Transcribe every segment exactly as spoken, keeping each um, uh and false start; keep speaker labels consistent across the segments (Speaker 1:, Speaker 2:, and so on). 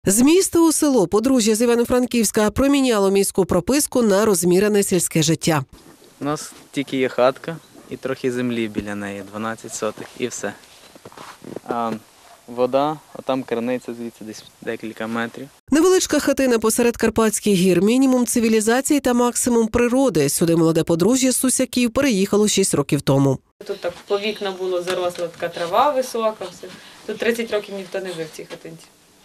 Speaker 1: З міста у село подружжя з Івано-Франківська проміняло міську прописку на розмірене сільське життя.
Speaker 2: У нас тільки є хатка і трохи землі біля неї, дванадцять сотих, і все. А вода, а там криниця звідси десь декілька метрів.
Speaker 1: Невеличка хатина посеред Карпатських гір, мінімум цивілізації та максимум природи. Сюди молоде подружжя з Сусяків переїхало шість років тому.
Speaker 3: Тут так по вікна було заросла така трава висока. Все. Тут тридцять років ніхто не жив в цій хатинці.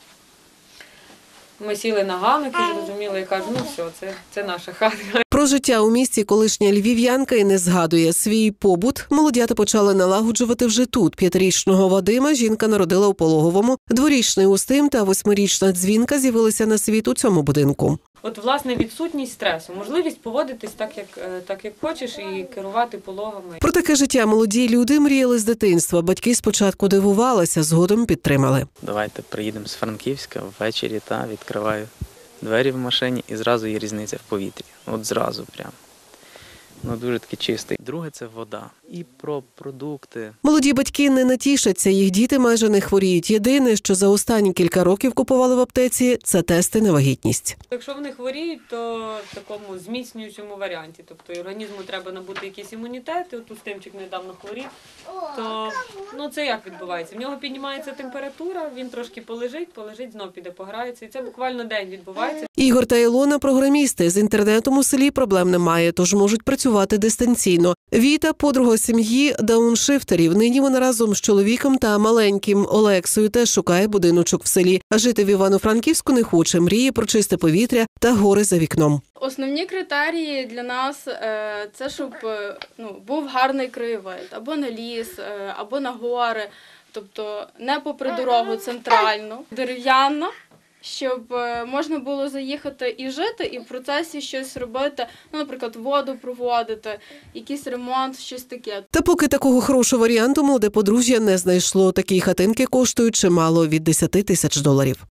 Speaker 3: Ми сіли на ганок і зрозуміли, я кажу, ну все, це, це наша хатка.
Speaker 1: Про життя у місті колишня львів'янка і не згадує. Свій побут молодята почали налагоджувати вже тут. П'ятирічного Вадима жінка народила у Пологовому, дворічний Устим та восьмирічна Дзвінка з'явилися на світ у цьому будинку.
Speaker 3: От, власне, відсутність стресу, можливість поводитись так, як, так, як хочеш, і керувати пологами.
Speaker 1: Про таке життя молоді люди мріяли з дитинства. Батьки спочатку дивувалися, згодом підтримали.
Speaker 2: Давайте приїдемо з Франківська ввечері, та відкриваю двері в машині і зразу є різниця в повітрі. От зразу прямо. Ну, дуже таки чистий. Друге – це вода. І про продукти.
Speaker 1: Молоді батьки не натішаться, їх діти майже не хворіють. Єдине, що за останні кілька років купували в аптеці – це тести на вагітність.
Speaker 3: Якщо вони хворіють, то в такому зміцнюючому варіанті. Тобто і організму треба набути якийсь імунітет, і от Устимчик недавно хворів, то ну, це як відбувається? В нього піднімається температура, він трошки полежить, полежить, знов піде пограється. І це буквально день відбувається.
Speaker 1: Ігор та Ілона – програмісти. З інтернетом у селі проблем немає, тож можуть працювати дистанційно. Віта – подруга сім'ї дауншифтерів. Нині вона разом з чоловіком та маленьким Олексою теж шукає будиночок в селі. А жити в Івано-Франківську не хоче, мріє про чисте повітря та гори за вікном.
Speaker 4: Основні критерії для нас – це щоб ну, був гарний краєвид, або на ліс, або на гори, тобто не попри дорогу центральну, дерев'яна, щоб можна було заїхати і жити, і в процесі щось робити, ну, наприклад, воду проводити, якийсь ремонт, щось таке.
Speaker 1: Та поки такого хорошого варіанту молоде подружжя не знайшло. Такі хатинки коштують чимало – від десяти тисяч доларів.